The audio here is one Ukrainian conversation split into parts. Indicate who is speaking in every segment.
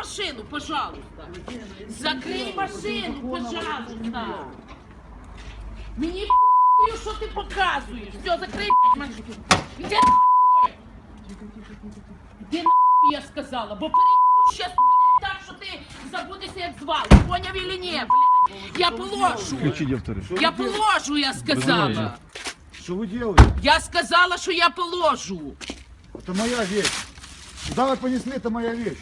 Speaker 1: машину, пожалуйста. Закрий машину, пожалуйста. Мені п***ю, що ти показуєш. Все, закрий машину. Іди нахуй. Іди нахуй, я сказала, бо перейду щас, блядь, так, що ти забудешся, як звали. Поняв или ні, блядь? Я положу. Я положу, я сказала.
Speaker 2: Что вы делаете?
Speaker 1: Я сказала, що я положу.
Speaker 2: Это моя вещь. Куда вы понесли, это моя вещь.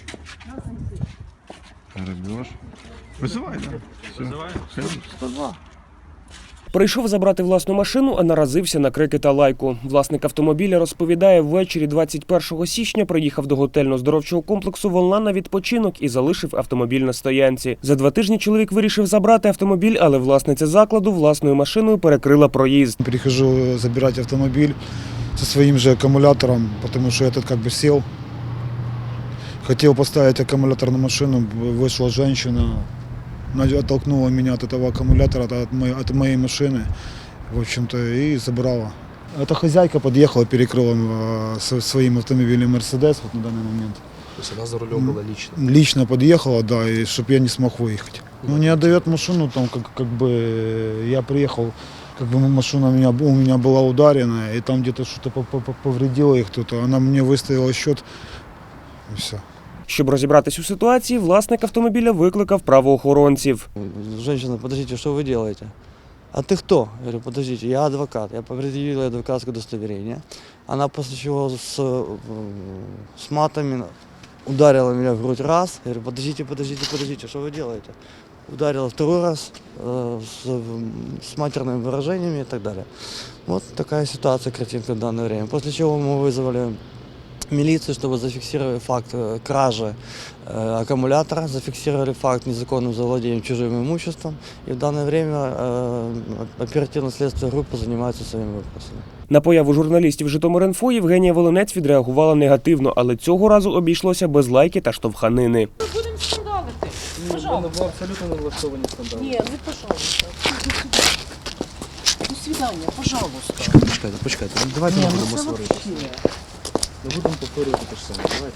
Speaker 3: Грабеж. Вызывай, да? Вызывай. 102.
Speaker 4: Прийшов забрати власну машину, а наразився на крики та лайку. Власник автомобіля розповідає, ввечері 21 січня приїхав до готельно-здоровчого комплексу «Волна» на відпочинок і залишив автомобіль на стоянці. За 2 тижні чоловік вирішив забрати автомобіль, але власниця закладу власною машиною перекрила проїзд.
Speaker 2: Прихожу забирать автомобиль со своим же аккумулятором, потому что этот как бы сел. Хотел поставить аккумулятор на машину, вышла женщина, оттолкнула меня от этого аккумулятора, от моей машины, в общем-то, и забрала. Эта хозяйка подъехала, перекрыла своим автомобилем «Мерседес» вот на данный момент.
Speaker 5: То есть она за рулем была лично?
Speaker 2: Лично подъехала, да, и чтобы я не смог выехать. Ну, не отдает машину, там как бы я приехал, как бы машина у меня была ударена, и там где-то что-то повредило их кто-то. Она мне выставила счет, и все.
Speaker 4: Щоб розібратись у ситуації, власник автомобіля викликав правоохоронців.
Speaker 5: Женщина, подождите, что вы делаете? А ты кто? Я говорю, подождите, я адвокат. Я предъявила адвокатское удостоверение. Она после чего с матами ударила меня в грудь раз. Я говорю, подождите, что вы делаете? Ударила 2 раз с матерными выражениями и так далее. Вот такая ситуация, картинка в данное время. После чего мы вызвали милицию, чтобы зафиксировали факт кражи аккумулятора, зафиксировали факт незаконным завладением чужим имуществом. И в данное время оперативно-следственная группа занимается своими вопросами.
Speaker 4: На появу журналістів «Житомир.Інфо» Євгенія Волинець відреагувала негативно, але цього разу обійшлося без лайки та штовханини.
Speaker 1: Будемо скандалити. Пожалуйста.
Speaker 5: Ви абсолютно не влаштовані скандали.
Speaker 1: Ні, ви, пожалуйста. До свидання, пожалуйста.
Speaker 5: Почекайте, давайте не будемо сваритися. Не будемо повторювати те ж саме, давайте.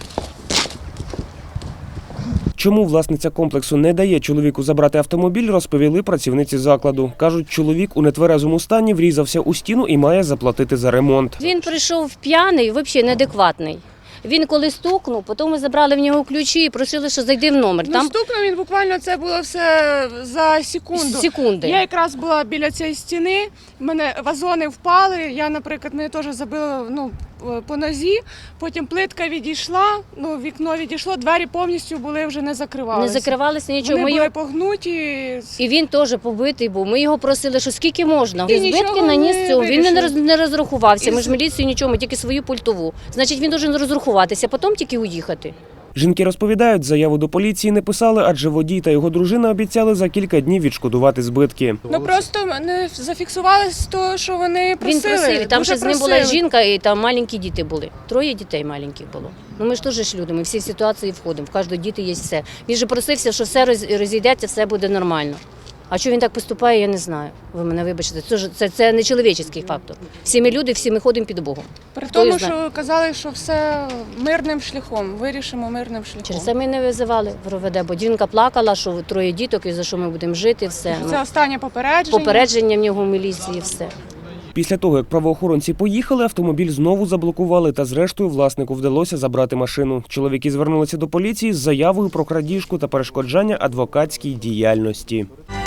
Speaker 4: Чому власниця комплексу не дає чоловіку забрати автомобіль, розповіли працівниці закладу. Кажуть, чоловік у нетверезому стані врізався у стіну і має заплатити за ремонт.
Speaker 6: Він прийшов п'яний, взагалі неадекватний. Він коли стукнув, потім ми забрали в нього ключі і просили, що зайди в номер.
Speaker 7: Ну, стукнув він буквально, це було все за секунду.
Speaker 6: Секунди.
Speaker 7: Я якраз була біля цієї стіни, в мене вазони впали, я, наприклад, мене теж забила по нозі, потім плитка відійшла, вікно відійшло, двері повністю були вже не закривалися.
Speaker 6: Не закривалися нічого.
Speaker 7: Вони були погнуті.
Speaker 6: І він теж побитий був. Ми його просили, що скільки можна.
Speaker 7: І
Speaker 6: збитки наніс цього. Він не розрахувався. Ми ж міліцію нічого, ми тільки свою пультову. Значить, він повинен розрахуватися, потім тільки уїхати.
Speaker 4: Жінки розповідають, заяву до поліції не писали, адже водій та його дружина обіцяли за кілька днів відшкодувати збитки.
Speaker 7: Просто не зафіксували з того, що вони просили.
Speaker 6: Він просив, там
Speaker 7: дуже
Speaker 6: ще з ним була жінка і там маленькі діти були. 3 дітей маленьких було. Ми ж теж ж люди, ми всі в ситуації входимо, в кожного діти є все. Він же просився, що все розійдеться, все буде нормально. А що він так поступає, я не знаю. Ви мене вибачте, це не чоловічий фактор. Всі ми люди, всі ми ходимо під Богом.
Speaker 7: При тому, що казали, що все мирним шляхом, вирішимо мирним шляхом.
Speaker 6: Через це ми не визивали в РОВД, бо жінка плакала, що 3 діток і за що ми будемо жити, все.
Speaker 7: Це останнє попередження.
Speaker 6: Попередження в нього в міліції, все.
Speaker 4: Після того, як правоохоронці поїхали, автомобіль знову заблокували та зрештою власнику вдалося забрати машину. Чоловіки звернулися до поліції з заявою про крадіжку та перешкоджання адвокатській діяльності.